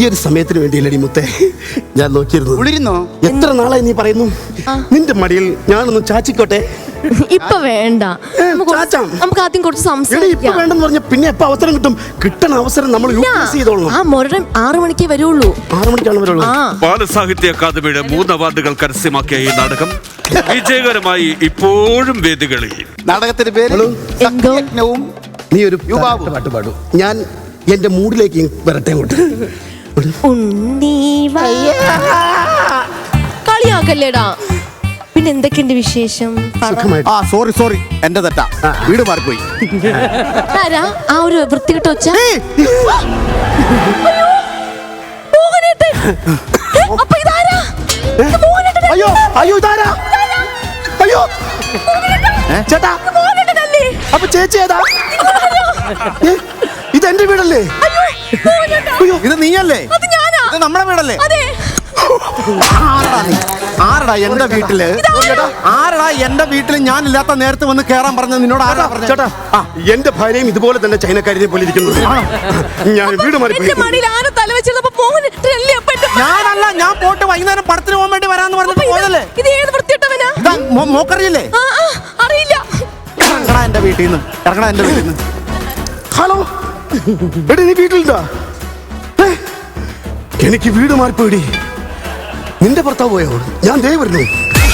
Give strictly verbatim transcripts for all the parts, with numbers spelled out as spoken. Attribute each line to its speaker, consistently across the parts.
Speaker 1: ഒരു സമയത്തിന് വേണ്ടിയല്ലടി മുത്തേ ഞാൻ നോക്കിയിരുന്നു.
Speaker 2: കുളിരുന്നോ?
Speaker 1: എത്ര നാളായി നീ പറയുന്നു നിന്റെ മടിയിൽ ഞാനൊന്ന് ചാച്ചിക്കോട്ടെ?
Speaker 3: ഇപ്പൊ വേണ്ട,
Speaker 1: ചാച്ചാം.
Speaker 3: നമുക്ക് ആദ്യം കുറച്ച്
Speaker 1: ഇപ്പൊ
Speaker 3: സംസാരിക്കാം.
Speaker 1: വേണ്ടെന്ന് പറഞ്ഞ പിന്നെ എപ്പോ അവസരം കിട്ടും? കിട്ടണ അവസരം നമ്മൾ യൂട്ടിലൈസ് ചെയ്തോളണം.
Speaker 3: ആ മുരടൻ ആറു മണിക്കേ വരുള്ളൂ.
Speaker 1: ആറു മണിക്കാണ് വരുള്ളൂ.
Speaker 4: ബാലസാഹിത്യ അക്കാദമിയുടെ മൂന്ന് അവാർഡുകൾ കരസ്ഥമാക്കിയ ഈ നാടകം വിജയകരമായി ഇപ്പോഴും വേദികളിൽ.
Speaker 2: നാടകത്തിന്റെ പേര്
Speaker 3: എന്തോ?
Speaker 2: സത്യജ്ഞവും
Speaker 1: നീ ഒരു
Speaker 2: യുവാവ്.
Speaker 1: പാട്ട് പാടും, ഞാൻ എന്റെ മൂഡിലേക്ക് വരട്ടെ അങ്ങോട്ട്.
Speaker 3: ഉണ്ണി കളിയാക്കല്ലേടാ. പിന്നെ എന്തൊക്കെയുണ്ട് വിശേഷം?
Speaker 1: സുഖമായിട്ട്.
Speaker 2: ആ സോറി സോറി എന്റെ തെറ്റാ, വീട് മാറിപ്പോയി.
Speaker 3: ആരാ ആ ഒരു വൃത്തികെട്ട ഒച്ച? അപ്പൊ ഇതാരാ?
Speaker 1: അയ്യോ അയ്യോ ഇതാരാ? അയ്യോ ചേട്ടാ, അപ്പൊ ചേച്ചി ഏതാ? ഏ, ഇത് എന്റെ വീടല്ലേ? അയ്യോ
Speaker 2: ഇത് നീയല്ലേ? ഇത് നമ്മുടെ വീടല്ലേ? ആരടാ നീ? ആരടാ എന്റെ വീട്ടില് ആരടാ എന്റെ വീട്ടില് ഞാൻ ഇല്ലാത്ത നേരത്തെ വന്ന് കേറാൻ പറഞ്ഞത് നിന്നോട്? ആരാ പറഞ്ഞത്?
Speaker 1: ചേട്ടാ, എന്റെ ഭാര്യയും ഇതുപോലെ തന്നെ ചൈനക്കാരിനെ പോലെ ഇരിക്കുന്നു. ഞാൻ വീട് മാറിപ്പോയി.
Speaker 2: ഞാനല്ല, ഞാൻ പോട്ട് വൈകുന്നേരം പടത്തിന് പോകാൻ വേണ്ടി വരാന്ന് പറഞ്ഞിട്ട് പോയതല്ലേ? ഇതാ, മോ- മോക്കറിയില്ലേ?
Speaker 3: അറിയില്ല.
Speaker 2: ഇറങ്ങടാ എന്റെ വീട്ടിൽ നിന്ന്, ഇറങ്ങടാ എന്റെ വീട്ടിൽ നിന്ന്.
Speaker 1: ഹലോ എടി, നീ വീട്ടിലുണ്ടാ? ഏ, എനിക്ക് വീട് മാറിപ്പോയിടി. നിന്റെ ഭർത്താവ് പോയോ? ഞാൻ ദേ വരുന്നു.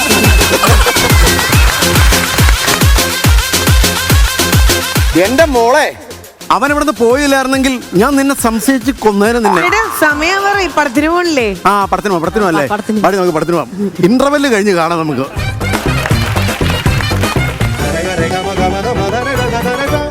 Speaker 2: എന്റെ മോളെ, അവൻ ഇവിടുന്ന് പോയില്ലായിരുന്നെങ്കിൽ ഞാൻ നിന്നെ സംശയിച്ച് കൊന്നേരം നിന്നെ.
Speaker 5: സമയം പറയും, പടത്തിന് പോണില്ലേ?
Speaker 2: ആ പടത്തിന് പോവാം, പടത്തിന് പോവാം അല്ലേ?
Speaker 3: പടത്തിന്.
Speaker 2: പാടി നമുക്ക് പടത്തിന് പോവാം. ഇന്റർവെല് കഴിഞ്ഞ് കാണാം നമുക്ക്.